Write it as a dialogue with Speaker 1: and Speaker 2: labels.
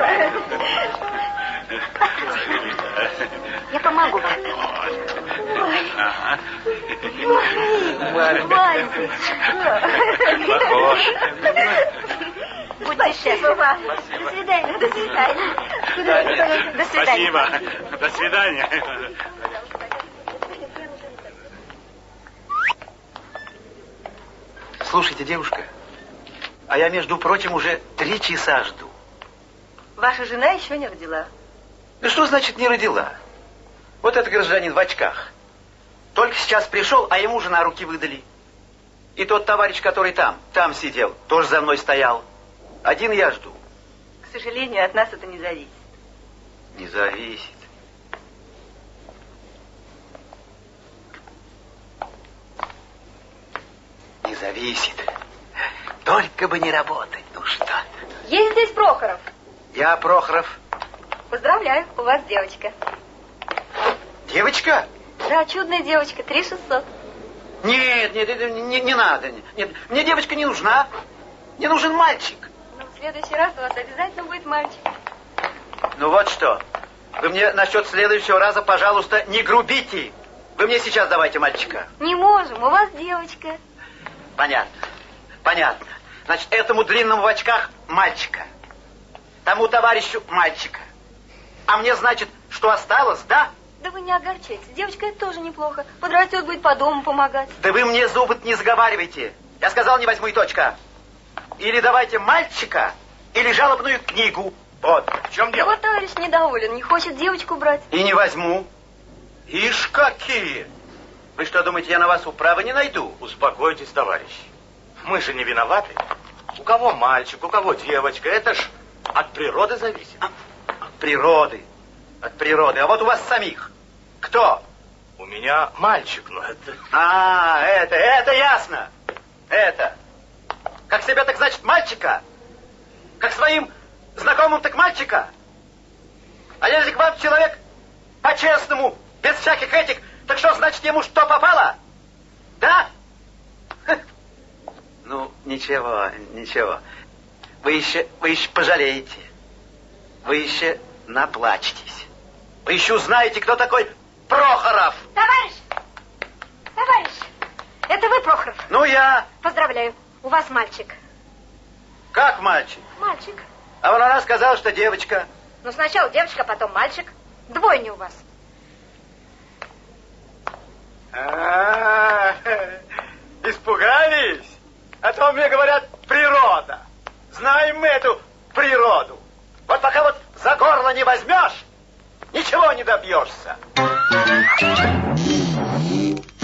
Speaker 1: Я помогу.
Speaker 2: Похож.
Speaker 1: Будьте счастливы. До свидания. До свидания. До свидания.
Speaker 2: Спасибо. До свидания.
Speaker 3: Слушайте, девушка, а я, между прочим, уже 3 часа жду.
Speaker 1: Ваша жена еще не родила.
Speaker 3: Ну что значит не родила? Вот этот гражданин в очках. Только сейчас пришел, а ему жена руки выдали. И тот товарищ, который там сидел, тоже за мной стоял. Один я жду.
Speaker 1: К сожалению, от нас это не зависит.
Speaker 3: Не зависит. Не зависит. Только бы не работать, ну что?
Speaker 1: Есть здесь Прохоров?
Speaker 3: Я Прохоров.
Speaker 1: Поздравляю, у вас девочка.
Speaker 3: Девочка?
Speaker 1: Да, чудная девочка, 3600.
Speaker 3: Нет, не надо. Нет, мне девочка не нужна. Мне нужен мальчик.
Speaker 1: Ну, в следующий раз у вас обязательно будет мальчик.
Speaker 3: Ну вот что. Вы мне насчет следующего раза, пожалуйста, не грубите. Вы мне сейчас давайте мальчика.
Speaker 1: Не можем, у вас девочка.
Speaker 3: Понятно. Понятно. Значит, этому длинному в очках мальчика. Тому товарищу мальчика. А мне, значит, что осталось, да?
Speaker 1: Да вы не огорчайтесь. Девочка это тоже неплохо. Подрастет, будет по дому помогать.
Speaker 3: Да вы мне зубы не заговаривайте. Я сказал, не возьму и точка. Или давайте мальчика, или жалобную книгу. Вот. В чем дело?
Speaker 1: Вот товарищ недоволен, не хочет девочку брать.
Speaker 3: И не возьму. Ишь какие! Вы что, думаете, я на вас управы не найду?
Speaker 2: Успокойтесь, товарищ. Мы же не виноваты. У кого мальчик, у кого девочка. Это ж от природы зависит.
Speaker 3: От природы. От природы. А вот у вас самих. Кто?
Speaker 2: У меня мальчик, но это...
Speaker 3: А, это ясно. Это. Как себя, так значит мальчика? Как своим знакомым, так мальчика? А если к вам человек по-честному, без всяких этих, так что значит ему что попало? Да? Ну, ничего. Вы еще пожалеете. Вы еще наплачетесь. Вы еще узнаете, кто такой Прохоров.
Speaker 1: Товарищ, это вы, Прохоров?
Speaker 3: Ну, я.
Speaker 1: Поздравляю, у вас мальчик.
Speaker 3: Как мальчик?
Speaker 1: Мальчик.
Speaker 3: А вон она сказала, что девочка.
Speaker 1: Ну, сначала девочка, потом мальчик. Двойня у вас.
Speaker 3: Испугались? А то мне говорят природа. Знаем мы эту природу. Вот пока вот за горло не возьмешь, ничего не добьешься.